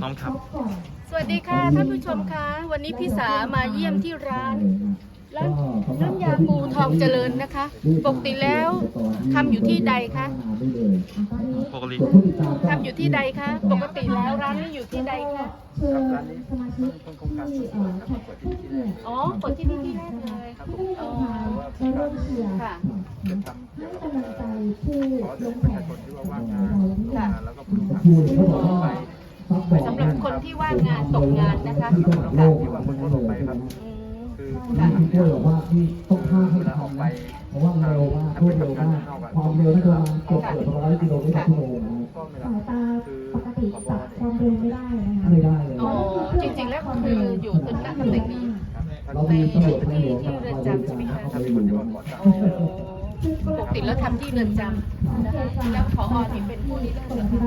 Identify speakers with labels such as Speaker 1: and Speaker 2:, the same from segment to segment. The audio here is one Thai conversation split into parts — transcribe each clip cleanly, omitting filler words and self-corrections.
Speaker 1: น้องครับ
Speaker 2: สวัสดีค่ะท่านผู้ชมคะวันนี้พี่สามาเยี่ยมที่ร้านน้ำยาปูทองเจริญนะคะปกติแล้วทำอยู่ที่ใดคะ
Speaker 1: ปกติ
Speaker 2: ทำอยู่ที่ใดคะปกติแล้วร้านนี้อยู่ที่ใดคะอ๋อเปิดที่นี่ที่แรกเลยอ๋อค่ะสำหรับคนที่ว่างงานตกงานนะคะ
Speaker 3: ที่ว่าคนลงไปครับคือที่เที่ยวบอกว่าที่ต้องข้ามเวลาออกไปเพราะว่าเร็วมากรวดเร็วมากความเร็วที่ประมาณเกือบ100 กิโลเมตรต่อชั่วโมงนะ
Speaker 4: สายตาปกติจับความเร็วไม่ได้นะคะ
Speaker 3: ไม่ได้เลย
Speaker 2: อ๋อจริงๆแล้วคืออยู่ตึกหน้าตำแหน่งนี้
Speaker 3: เรามีตำรวจในหลวง
Speaker 2: ที่เรือนจำใช่ไหมคะ
Speaker 3: ทำที่คนที่ว่าก่อน
Speaker 2: ปกติแล้วทำที่เรือนจำนะคะแล้วผอ.นี่เป็นผู้ริเริ่มเหรอคะ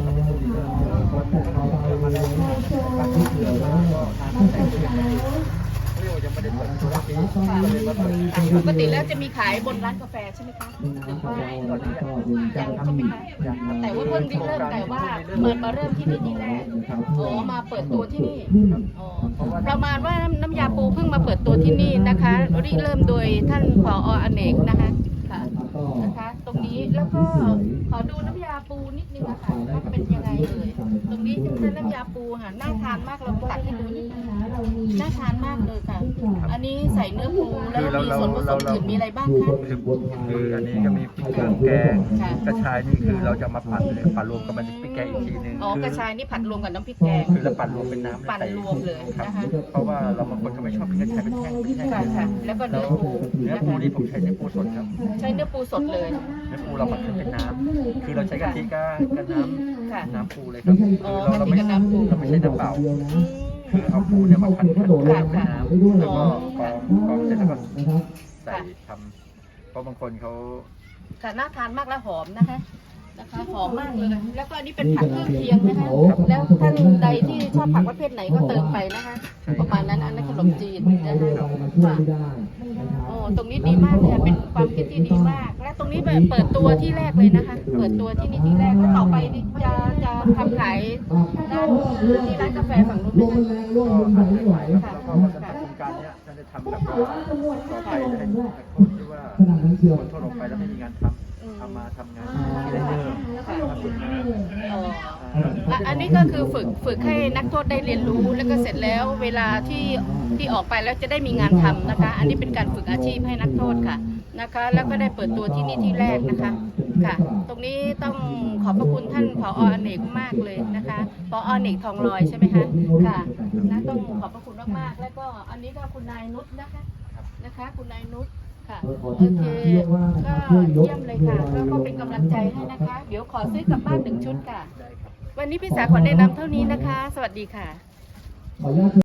Speaker 2: ปกติแล้วจะมีขายบนร้านกาแฟใช่ไหมคะหรือว่ายังใช่ไหมคะแต่ว่าเพิ่งริเริ่มแต่ว่ามาเริ่มที่นี่ที่แรกอ๋อมาเปิดตัวที่นี่อ๋อประมาณว่าน้ำยาปูเพิ่งมาเปิดตัวที่นี่นะคะริเริ่มโดยท่านผอ.อเนกนะคะค่ะนะคะตรงนี้แล้วก็ขอดูน้ำยาปูนิดนึงอะค่ะว่าเป็นยังไงเลยตรงนี้เป็นน้ำยาปูค่ะน่าทานมากเราตัดให้ดูนิดนึงน่าทานมากเลยค่ะอันนี้ใส่เนื้อปูแล้วมีส่วนผสมอื่นมีอะไรบ้างคะ
Speaker 1: คืออันนี้ก็มีพริกเครื่องแกงกระชายนี่คือเราจะมาปั่นเลยปั่นรวมกับมันพริกแกงอีกทีนึง
Speaker 2: อ๋อกระชายนี่ผัดรวมกับน้ำพริกแกง
Speaker 1: คือเราปั่นรวมเป็นน้ำ
Speaker 2: ปั่นรวมเลยนะคะ
Speaker 1: เพราะว่าเราบางคนก็ไม่ชอบพริกกระชายเป็นแห้ง
Speaker 2: ค่ะค่ะแล้วก็เนื้อปู
Speaker 1: นี่ผมใช้เนื้อปูสดครับ
Speaker 2: ใช้เนื้อปูสดเลย
Speaker 1: เนื้อปูเราปั่นเป็นน้ำคือเราใช้กะทิกับน้ำปูเลยครับเราไม่ใช้น้ำเปล่าคือเอาปูเนี่ยมาผัดเป็นน้ำแล้วก็กรองเสร็จแล้วก็ใส่ทำเพราะบางคนเขา
Speaker 2: ค่ะน่าทานมากและหอมนะคะหอมมากเลยแล้วก็อันนี้เป็นผักเครื่องเคียงนะคะแล้วท่านใดที่ชอบผักประเภทไหนก็เติมไปนะคะประมาณนั้นอันนั้นขนมจีนนะคะโอ้ตรงนี้ดีมากเลยเป็นความคิดที่ดีมากและตรงนี้แบบเปิดตัวที่แรกเลยนะคะเปิดตัวที่นี่ที่แรกแล้วต่อไปจะทำขายด้านที่ร้านกาแฟฝั่งนู้นไหมคะ
Speaker 1: ค่ะแล้วก็โครงการนี้จะทำแบบว่าต่อไปให้คนที่ว่าคนทั่วลงไปแล้วไม่มีงานทำมาทำงานที่ได้เพิ่ม
Speaker 2: อันนี้ก็คือฝึกให้นักโทษได้เรียนรู้แล้วก็เสร็จแล้วเวลาที่ออกไปแล้วจะได้มีงานทำนะคะอันนี้เป็นการฝึกอาชีพให้นักโทษค่ะนะคะแล้วก็ได้เปิดตัวที่นี่ที่แรกนะคะค่ะตรงนี้ต้องขอบพระคุณท่านผอ.อเนกมากเลยนะคะผอ.อเนกทองลอยใช่ไหมคะค่ะนะต้องขอบพระคุณมากๆแล้วก็อันนี้ก็คุณนายนุชนะคะคุณนายนุชค่ะโอเคก็เยี่ยมเลยค่ะก็เป็นกำลังใจให้นะคะเดี๋ยวขอซื้อกลับบ้าน1 ชุดค่ะวันนี้พี่สาขอแนะนำเท่านี้นะคะสวัสดีค่ะ